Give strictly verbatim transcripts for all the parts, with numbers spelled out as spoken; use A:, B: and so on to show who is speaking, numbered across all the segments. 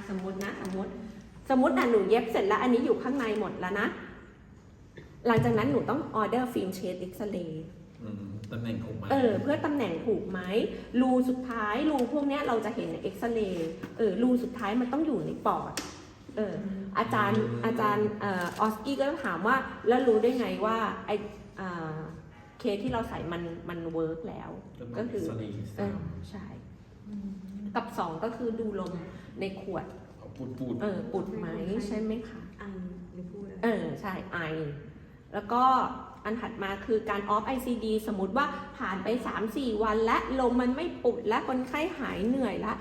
A: สมมตินะสมมติสมมติอ่ะหนูเย็บเสร็จแล้วอันนี้อยู่ข้างในหมดแล้วนะหลังจากนั้นหนูต้องออเดอร์ฟิล์มเชดเอ็กซเรย์
B: ตำแหน่งถูกไหม
A: เออเพื่อตำแหน่งถูกไหมรูสุดท้ายรูพวกนี้เราจะเห็นในเอ็กซเรย์เออรูสุดท้ายมันต้องอยู่ในปอดเอออาจารย์อาจารย์เออออสกี้ก็ถามว่าแล้วรู้ได้ไงว่าไอเคสที่เราใส่มันมันเวิร์กแล้วก็คือเออใช่กับสองก็คือดูลมในขวด
B: ปูดปูด
A: เออปุดไหมใช่ไหมคะ
C: ไอหรือพูด
A: เออใช่ไอแล้วก็อันถัดมาคือการออฟ ไอ ซี ดี สมมติว่าผ่านไป สามสี่ วันและลมมันไม่ปุดและคนไข้หายเหนื่อยละ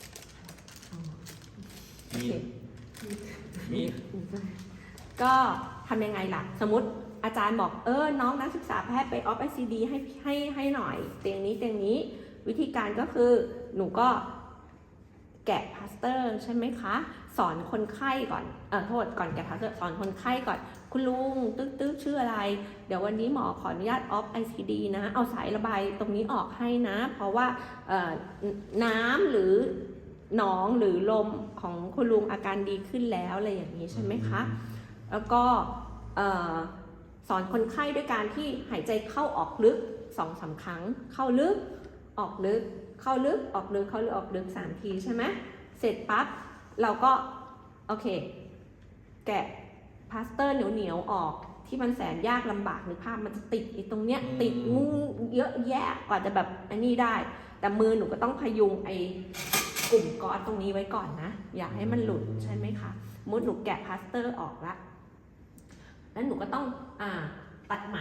B: มีมี
A: ก็ทำยังไงล่ะสมมติอาจารย์บอกเออน้องนักศึกษาแพทย์ไปออฟ ไอ ซี ดี ให้ให้ให้หน่อยเตียงนี้เตียงนี้วิธีการก็คือหนูก็แกะพลาสเตอร์ใช่ไหมคะสอนคนไข้ก่อนเออโทษก่อนแกะพลาสเตอร์สอนคนไข้ก่อนคุณลุงตึ๊กตึ๊กชื่ออะไรเดี๋ยววันนี้หมอขออนุญาตออฟ ไอ ซี ดี นะเอาสายระบายตรงนี้ออกให้นะเพราะว่าน้ำหรือหนองหรือลมของคุณลุงอาการดีขึ้นแล้วอะไรอย่างนี้ใช่ไหมคะแล้วก็สอนคนไข้ด้วยการที่หายใจเข้าออกลึก สองสาม ครั้งเข้าลึกออกลึกเข้าลึกออกลึกเข้าลึกออกลึกสามทีใช่ไหมเสร็จปั๊บเราก็โอเคแกะพลาสเตอร์เหนียวๆออกที่มันแสนยากลำบากนึกภาพมันจะติดไอ้ตรงเนี้ยติดงูเยอะแยะกว่าจะแบบอันนี้ได้แต่มือหนูก็ต้องพยุงไอ้กลุ่มก๊อซตรงนี้ไว้ก่อนนะอย่าให้มันหลุดใช่ไหมคะมุดหนูแกะพลาสเตอร์ออกละแล้วหนูก็ต้องอ่าตัดไหม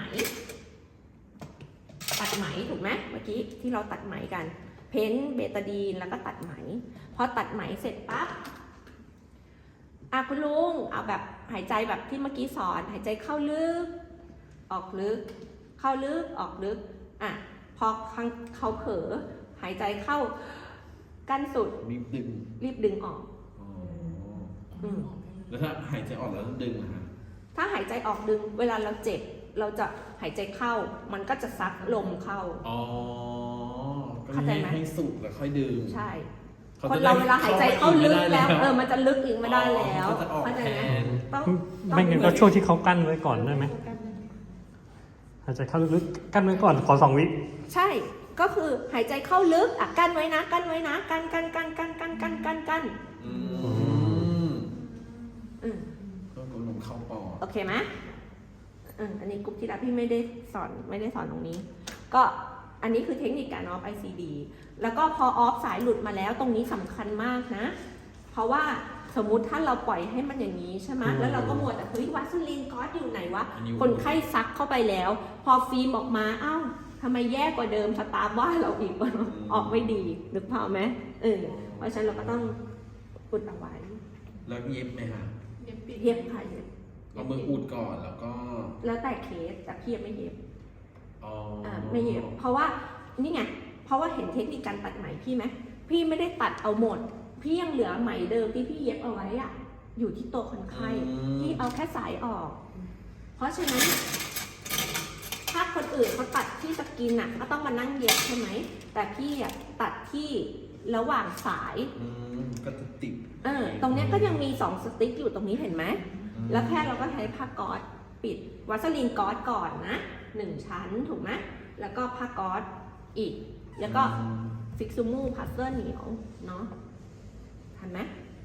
A: ตัดไหมถูกไหมเมื่อกี้ที่เราตัดไหมกันเพ้นเบตาดีนแล้วก็ตัดไหมพอตัดไหมเสร็จปั๊บอ่ะคุณลุงเอาแบบหายใจแบบที่เมื่อกี้สอนหายใจเข้าลึกออกลึกเข้าลึกออกลึกอ่ะพอเขาเผลอหายใจเข้ากั้นสุด
B: รีบดึง
A: รีบดึงออก
B: อืมแล้วถ้าหายใจออกแล้วดึงนะฮะ
A: ถ้าหายใจออกดึงเวลาเราเจ็บเราจะหายใจเข้ามันก็จะซักลมเข้า
B: อ๋อเข้าใจไหมให้สุดแล้วค่อยดึง
A: ใช่คนเราเวลาหายใจเข้าลึกแล้วเออมันจะลึกอีกไม่ได้แล้ว
B: เข้าใจไหม
D: ต้องไม่งั้นก็ช่วงที่เขากั้นไว้ก่อนได้ไหมหายใจเข้าลึกๆกั้นไว้ก่อนขอสองวิ
A: ใช่ก็คือหายใจเข้าลึกอ่ะกั้นไว้นะกั้นไว้นะกั้นกั้นกั้นกั้นกั้นกั้นกั้นกั้น
B: อืมอืมก็ลมเข้าปอด
A: โอเคไหมอืมอันนี้กลุ่มที่แล้วพี่ไม่ได้สอนไม่ได้สอนตรงนี้ก็อันนี้คือเทคนิคการออฟ ไอ ซี ดี แล้วก็พอออฟสายหลุดมาแล้วตรงนี้สำคัญมากนะเพราะว่าสมมุติถ้าเราปล่อยให้มันอย่างนี้ใช่ไหมแล้วเราก็มัวแต่เฮ้ยวัสลีนก๊อซอยู่ไหนวะคนไข้ซักเข้าไปแล้วพอฟิล์มออกมาเอ้าทำไมแย่กว่าเดิมสตาร์ว่าเราอีกออกไม่ดีนึกภาพไหมเออเพราะฉะนั้นเราก็ต้องอุดเอาไว้
B: แล้วเย็บไหมคะ
A: เย็บค่ะเย็บ
B: เอามืออุดก่อนแล้วก็
A: แล้วแต่เคสแต่พี่ไม่เย็บ
B: อ๋อ
A: ไม่เย็บเพราะว่านี่ไงเพราะว่าเห็นเทคนิคการตัดไหมพี่ไหมพี่ไม่ได้ตัดเอาหมดพี่ยังเหลือไหมเดิมที่พี่เย็บเอาไว้อะอยู่ที่ตัวคนไข้พี่เอาแค่สายออกเพราะฉะนั้นถ้าคนอื่นเขาตัดที่สกินอ่ะก็ต้องมานั่งเย็บใช่ไหมแต่พี่อ่ะตัดที่ระหว่างสาย
B: ก็จะติด
A: เออตรงนี้ก็ยังมีสองสติ๊กอยู่ตรงนี้เห็นไหมแล้วแค่เราก็ใช้ผ้าก๊อซปิดวัสลีนก๊อซก่อนนะหนึ่งชั้นถูกไหมแล้วก็ผ้าก๊อซอีกแล้วก็ฟิกซูมูพลาสเตอร์เหนียวเนาะทันไหม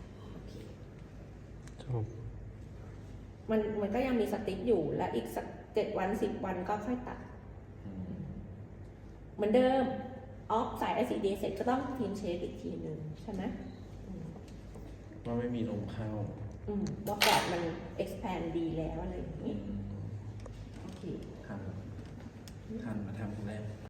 A: มันมันก็ยังมีสติ๊กอยู่และอีกสักเจ็ดวันสิบวันก็ค่อยตัดเหมือนเดิมออฟสาย ไอ ซี ดี เสร็จก็ต้องทีมเช็คอีกทีหนึ่งใช่ไหม
B: ว่าไม่มีลมเข้า
A: ว่าปอดมัน expand ดีแล้วอะไรอย่างนี้โอเค
B: ทันทันมาทำแรก